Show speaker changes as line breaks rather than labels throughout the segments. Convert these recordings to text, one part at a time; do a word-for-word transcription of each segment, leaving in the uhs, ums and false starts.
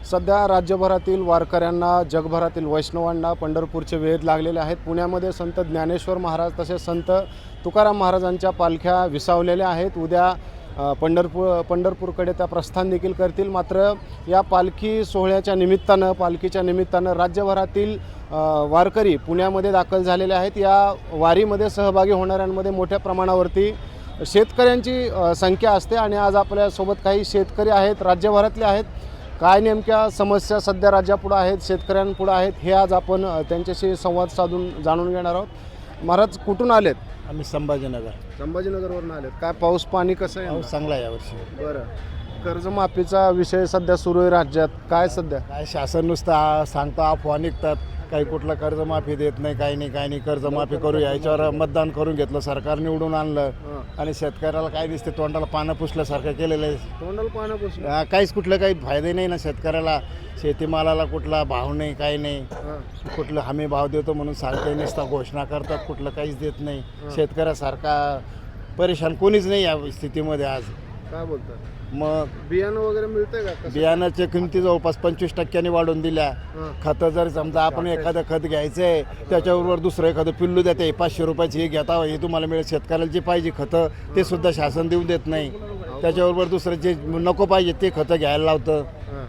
सध्या राज्यभरातील वारकऱ्यांना, जगभरातील वैष्णवांना पंढरपूरचे वेध लागलेले आहेत। पुण्यामध्ये संत ज्ञानेश्वर महाराज तसेच संत तुकाराम महाराजांच्या पालख्या विसावलेल्या आहेत। उद्या पंढरपूर पंढरपूरकडे त्या प्रस्थान देखील करतील। मात्र या पालखी सोहळ्याच्या निमित्तानं पालखीच्या निमित्तानं राज्यभरातील वारकरी पुण्यामध्ये दाखल झालेले आहेत। या वारीमध्ये सहभागी होणाऱ्यांमध्ये मोठ्या प्रमाणावरती शेतकऱ्यांची संख्या असते आणि आज आपल्यासोबत काही शेतकरी आहेत, राज्यभरातले आहेत। काय नेमक्या समस्या सध्या राज्यापुढे आहेत, शेतकऱ्यांपुढे आहेत, हे आज आपण त्यांच्याशी संवाद साधून जाणून घेणार आहोत। महाराज कुठून आलेत?
आम्ही संभाजीनगर
संभाजीनगरवरून आलेत। काय पाऊस पाणी कसं आहे?
पाऊस चांगला आहे यावर्षी।
बरं, कर्जमाफीचा विषय सध्या सुरू आहे राज्यात, काय सध्या
काय शासन नुसतं सांगता अफवा निघतात, काही कुठलं कर्जमाफी देत नाही, काही नाही काही नाही कर्जमाफी करू याच्यावर मतदान करून घेतलं, सरकार निवडून आणलं आणि शेतकऱ्याला काय दिसते तोंडाला पानं पुसल्यासारखं केलेलं आहे।
तोंडाला पानं पुसलं,
काहीच कुठलं काही फायदे नाही ना शेतकऱ्याला। शेतीमालाला कुठला भाव नाही, काही नाही, कुठलं हमी भाव देतो म्हणून सांगते नसता, घोषणा करतात, कुठलं काहीच देत नाही। शेतकऱ्यासारखा परेशान कोणीच नाही या स्थितीमध्ये आज।
काय बोलतात?
मग
बियाणं वगैरे मिळतंय का?
बियाणाच्या किमती जवळपास पंचवीस टक्क्यांनी वाढवून दिल्या। खतं जर समजा आपण एखादं खत घ्यायचंय त्याच्याबरोबर दुसरं एखादं पिल्लू देते, पाचशे रुपयाची हे घेता हे तुम्हाला मिळेल। शेतकऱ्याला जे पाहिजे खतं ते सुद्धा शासन देऊन देत नाही, त्याच्याबरोबर दुसरं जे नको पाहिजे ते खतं घ्यायला लावतं।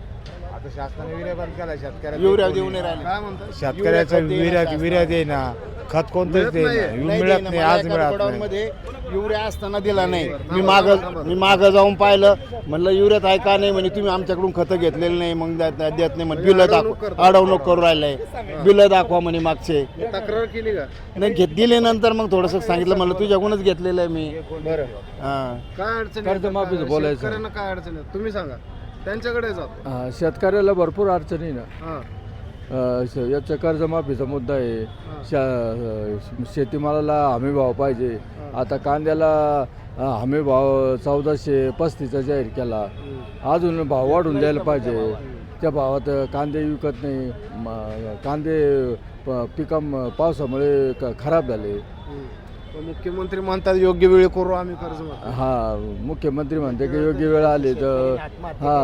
शासनाने युरिया बंद केला, शेतकऱ्याला
युरिया देऊ नाही राहिले।
काय म्हणतात?
शेतकऱ्याचं विर्या विर्या दे ना, खत कोणतंच दे मिळत नाही, आज मिळत नाही।
मध्ये युरिया असताना दिला नाही। मी माग मी मागं जाऊन पाहिलं, म्हणलं युरियात आहे का नाही, म्हणजे तुम्ही आमच्याकडून खतं घेतलेलं नाही, मग देत नाही म्हणजे बिलं दाखवा, अडवणूक करू राहिलंय, बिलं दाखवा म्हणे मागचे।
तक्रार केली का?
नाही घेत दिले, नंतर मग थोडंसं सांगितलं, म्हणलं तुझ्याकडूनच घेतलेलं आहे मी।
बरं,
हां
काय अडचण
कर्जमाफीचं बोलायचं.
शेतकऱ्यांना काय अडचण आहे तुम्ही सांगा, त्यांच्याकडे जातो।
हा, शेतकऱ्याला भरपूर अडचणी ना।
हां
अ, श- याचा कर्जमाफीचा मुद्दा आहे। शा शेतीमालाला हमी भाव पाहिजे। आता कांद्याला अ, हमी भाव चौदाशे पस्तीसचा जाहीर केला, अजून भाव वाढून द्यायला पाहिजे। त्या भावात कांदे विकत नाही, म- कांदे प- पिका म- पावसामुळे क खराब झाले।
मुख्यमंत्री म्हणतात योग्य वेळी करू आम्ही कर्जमाफी।
हा, मुख्यमंत्री म्हणते की योग्य वेळ आली तर हा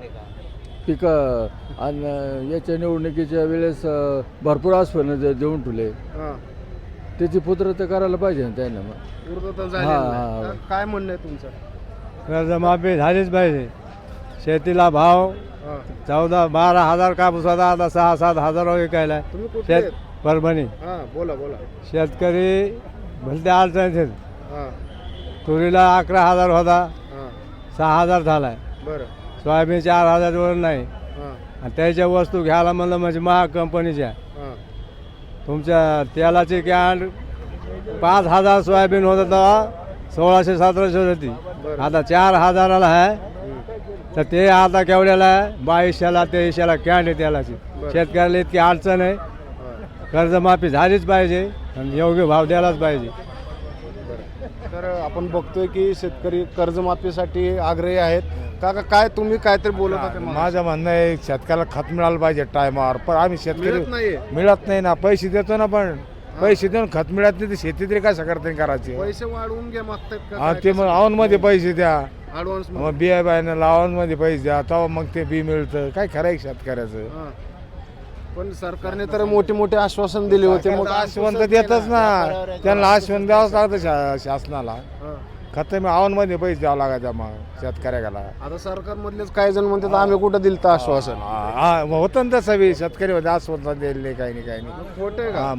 पिकं आणि याच्या निवडणुकीच्या वेळेस अ, भरपूर आश्वासनं जे देऊन ठेवले,
हां,
त्याची पुत्रता करायला पाहिजे ना त्यांना। मग
पूर्तता झाली
हां,
नाही.
हां.
काय म्हणणं आहे तुमचं?
कर्जमाफी झालीच पाहिजे। शेतीला भाव
हां,
चौदा बारा हजार कापूस होता, आता सहा सात हजार विकायला।
तुम्ही कुठे
शेत
आहेत?
परभणी
हां, बोला बोला।
शेतकरी भलते अडचणीत।
हां
तुरीला अकरा हजार होता,
हां,
सहा हजार झालाय।
बरं,
सोयाबीन चार हजारवर नाही,
हां
आणि त्याच्या वस्तू घ्यायला म्हणलं म्हणजे महाग कंपनीच्या।
हां,
तुमच्या तेलाची कॅन पाच हजार सोयाबीन होतं तेव्हा सोळाशे सतराशे होती,
बरं.
आता चार हजाराला आहे।
हं,
तर ते आता केवढ्याला आहे? बावीसशेला तेवीसशेला कॅन आहे तेलाची।
बरं.
शेतकऱ्याला इतकी अडचण आहे।
हां,
कर्जमाफी झालीच पाहिजे आणि योग्य भाव द्यायलाच पाहिजे।
बरं. तर आपण बघतोय की शेतकरी कर्जमाफीसाठी आग्रही आहेत। काका काय तुम्ही काहीतरी बोलत होते मला.
माझं म्हणणं आहे शेतकऱ्याला खत मिळालं पाहिजे टायमावर, पण आम्ही शेतकरी
मिळत नाहीये.
मिळत नाही ना। पैसे देतो ना, पण पैसे देऊन खत मिळत नाही, तर शेती तरी काय करते करायची?
पैसे वाढवून घ्या मागतात का
हा,
काय?
ते मग औन मध्ये पैसे द्या,
ॲडव्हान्स
मग बिया बायनं लावून मध्ये पैसे द्या, तेव्हा मग ते बी मिळतं। काय खरं आहे शेतकऱ्याचं?
हां. पण सरकारने तर मोठे मोठे आश्वासन दिले होते, मग
आश्वंत देतच ना, त्यांना आश्वंत द्यावंच लागतं शा शासनाला।
हां.
खत मी औन मध्ये पैसे द्यावं लागायचं मग शेतकऱ्याला।
आता सरकारमधलेच काही जण म्हणतात आम्ही कुठं दिलं तर आश्वासन.
हा, हा, मग होतं ना तसं बी, शेतकरी मध्ये आश्वंत दिले काही नाही काही नाही।
खोटं आहे का?
हा,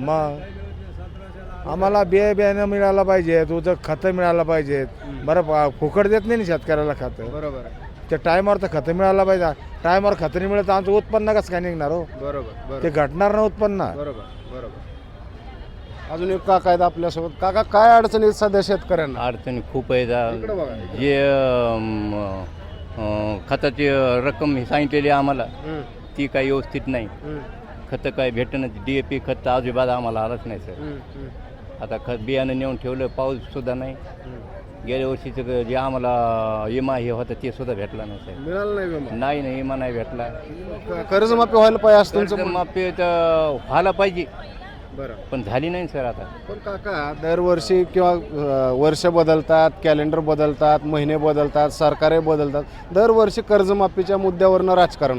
मग आम्हाला बिया बियाणं मिळायला पाहिजे, तुझं खतं मिळायला पाहिजेत। बरं प- फुकट देत नाही ना शेतकऱ्याला खतं,
बरोबर आहे.
ते टायमावर तर खतं मिळायला पाहिजे। टायमावर खतं नाही मिळत आमचं उत्पन्न कसं काय निघणार हो?
बरोबर
ते
बरोबर
घटणार ना उत्पन्न।
बरोबर बरोबर. अजून एक काका आहेत आपल्यासोबत. काका काय अडचणी आहेत सध्या शेतकऱ्यांना?
अडचणी खूप आहेत.
इकडे बघा.
जे अम, अ, खताची रक्कम ही सांगितलेली आहे आम्हाला,
हं,
ती काही व्यवस्थित नाही।
हं,
खतं काय भेटणं, डी ए पी खत अजिबात आम्हाला आलंच नाही सर।
हं, हं,
आता खत बियाणं नेऊन ठेवलं, पाऊससुद्धा नाही।
हं.
गेल्या वर्षीचं जे आम्हाला विमा हे होतं ते सुद्धा भेटला नाही सर।
मिळालं नाही विमा?
नाही नाही, विमा नाही भेटला।
क- कर्जमाफी व्हायला पाहिजे असं तुमचं म्हणणं?
माफी तर व्हायला पाहिजे,
बरं.
पण झाली नाही सर आता।
पण काका दरवर्षी किंवा अ, वर्ष बदलतात, कॅलेंडर बदलतात, महिने बदलतात, सरकारे बदलतात, दरवर्षी कर्जमाफीच्या मुद्द्यावरनं राजकारण होतं।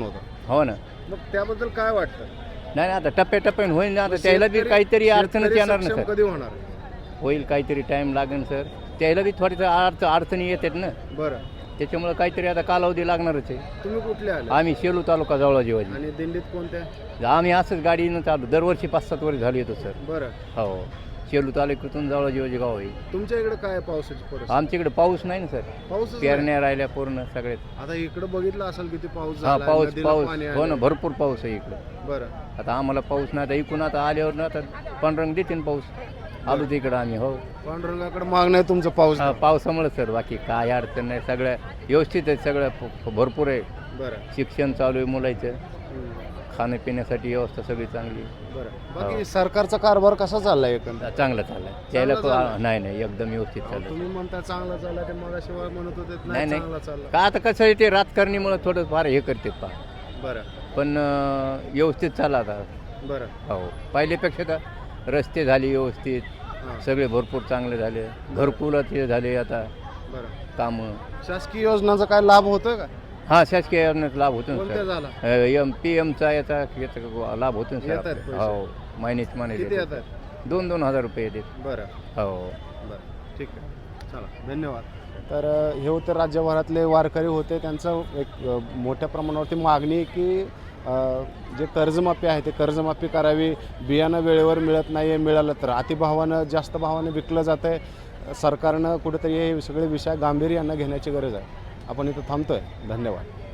हो ना.
मग त्याबद्दल काय वाटतं?
नाही नाही, आता टप्प्याटप्प्याने होईल ना. आता त्याला बी काहीतरी अडचणच
शेतकरी
येणार ना
सक्षम
सर.
कधी होणार?
होईल काहीतरी टाईम लागेल सर. त्याला बी थोडीसं अडच अडचणी येतात ना.
बरं,
त्याच्यामुळे काहीतरी आता कालावधी लागणारच आहे.
तुम्ही कुठले आले
आम्ही शेलू तालुका जवळ जीवाजी.
आणि दिंडीत कोणत्या?
आम्ही असंच गाडीनं चालू दरवर्षी पाच सात वर्ष झाली येतो सर.
बरं,
हो, शेलू तालुक्यातून जवळ जीवाजी गाव आहे.
तुमच्या इकडे काय आहे पावसाची परिस्थिती?
आमच्याकडे पाऊस नाही ना सर.
पाऊसच नाही.
पेरण्या राहिल्या पूर्ण सगळे.
आता इकडे बघितलं असेल किती पाऊस
हा
झाला,
पाऊस
नदीला
पाऊस
पाणी
हो ना,
आलंय. भरपूर
भरपूर पाऊस आहे इकडं.
बरं,
आता आम्हाला पाऊस नाही. आता इकून आता आल्यावर ना आता पांढरंग देते पाऊस. आलो तिकडं आम्ही. हो,
पांडुरंगाकडे मागणं आहे तुमचं पाऊस.
हा, पावसामुळे सर. बाकी काय अडचण नाही. सगळं व्यवस्थित आहे. सगळं प- भरपूर आहे.
बरं,
शिक्षण चालू आहे मुलाचं.
हम्म,
खाण्यापिण्यासाठी व्यवस्था सगळी चांगली.
बरं. बाकी सरकारचा कारभार कसा चाललाय एकंदर?
चांगलं चाललंय. त्याला प-
चाललंय?
नाही नाही, एकदम व्यवस्थित चाललं.
तुम्ही म्हणता चांगला चालला, ते मगाशिवाय म्हणत होते
नाही,
नाही
नाही.
चांगला चालला.
का आता कसं आहे ते राजकारणीमुळे थोडं फार हे करते पा.
बरं,
पण अं, व्यवस्थित चालला आता.
बरं,
हो, पहिल्यापेक्षा का रस्ते झाले व्यवस्थित.
हां,
सगळे भरपूर चांगले झाले. घरकुलाचे झाले आता
बरं.
कामं.
शासकीय योजनांचा काय लाभ होतोय का?
हा, शासकीय योजनेचा लाभ होतो
कोणत्या
ना
झाला?
सर. एम पी एमचा याचा याचा लाभ होतो ना
येतात
सर.
पैसे?
हो, महिन्याची
किती
महिन्याची
येतात?
दोन दोन हजार रुपये येतात.
बरं,
हो.
बरं, ठीक आहे, चला, धन्यवाद. तर अ, हे होते राज्यभरातले वारकरी होते. त्यांचं एक अ, मोठ्या प्रमाणावरती मागणी आहे की अ, जे कर्जमाफी आहे ते कर्जमाफी करावी. बियाणं वेळेवर मिळत नाही आहे, मिळालं तर अतिभावानं जास्त भावानं विकलं जातं आहे. सरकारनं कुठेतरी हे सगळे विषय गांभीर्यानं घेण्याची गरज आहे. आपण इथं थांबतो आहे. धन्यवाद.